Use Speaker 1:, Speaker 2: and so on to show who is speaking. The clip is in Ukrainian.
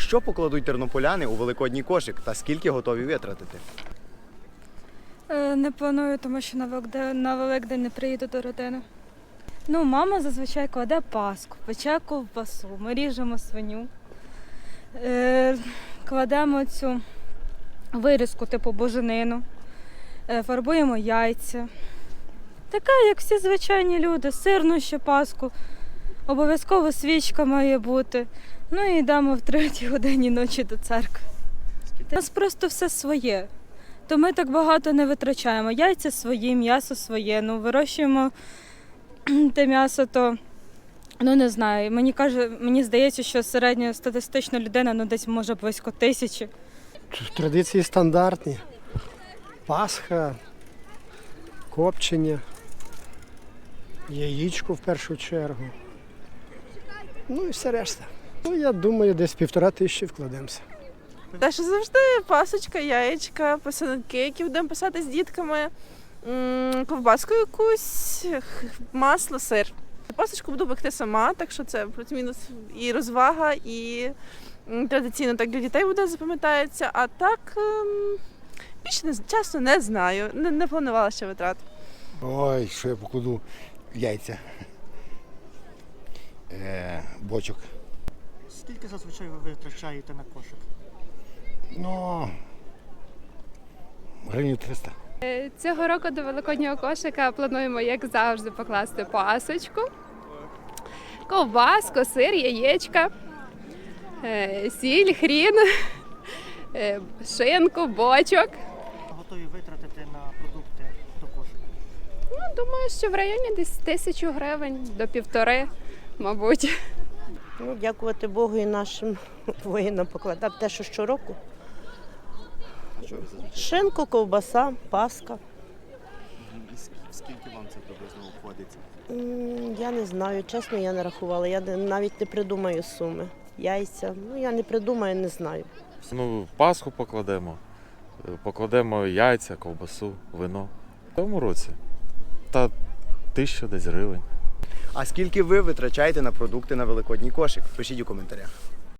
Speaker 1: Що покладуть тернополяни у великодній кошик та скільки готові витратити?
Speaker 2: Не планую, тому що на Великдень не приїду до родини. Ну, мама зазвичай кладе паску, пече ковбасу, ми ріжемо свиню, кладемо цю вирізку, типу буженину, фарбуємо яйця. Така, як всі звичайні люди, сирну ще паску, обов'язково свічка має бути. Ну і йдемо в 3-й годині ночі до церкви. У нас просто все своє. То ми так багато не витрачаємо. Яйця свої, м'ясо своє. Ну, вирощуємо те м'ясо, то, ну не знаю. Мені здається, що середньостатистична людина, ну десь може близько 1000.
Speaker 3: Традиції стандартні. Пасха, копчення, яєчко в першу чергу. Ну і все решта. Ну, я думаю, десь 1500 вкладемося.
Speaker 4: Те, що завжди пасочка, яєчка, писанки, які будемо писати з дітками, ковбаску якусь, масло, сир. Пасочку буду пекти сама, так що це плюс-мінус і розвага, і традиційно так для дітей буде запам'ятається. А так, більше чесно не знаю, не планувала ще витрат.
Speaker 5: Ой, що я покладу? Яйця, бочок.
Speaker 6: Скільки зазвичай ви витрачаєте на кошик?
Speaker 5: Ну, гривень 300.
Speaker 7: Цього року до великоднього кошика плануємо, як завжди, покласти пасочку, ковбаску, сир, яєчка, сіль, хрін, шинку, бочок.
Speaker 6: Готові витратити на продукти до кошика?
Speaker 7: Ну, думаю, що в районі десь 1000 гривень до 1,5, мабуть.
Speaker 8: Ну, дякувати Богу і нашим воїнам покладати те, що щороку. Шинку, ковбаса, паска.
Speaker 1: Скільки вам це приблизно обходиться?
Speaker 8: Я не знаю, чесно, я не рахувала. Я навіть не придумаю суми. Яйця, ну я не придумаю, не знаю.
Speaker 9: Ну, Пасху покладемо яйця, ковбасу, вино. В цьому році. Та 1000 десь гривень.
Speaker 1: А скільки ви витрачаєте на продукти на великодній кошик? Пишіть у коментарях.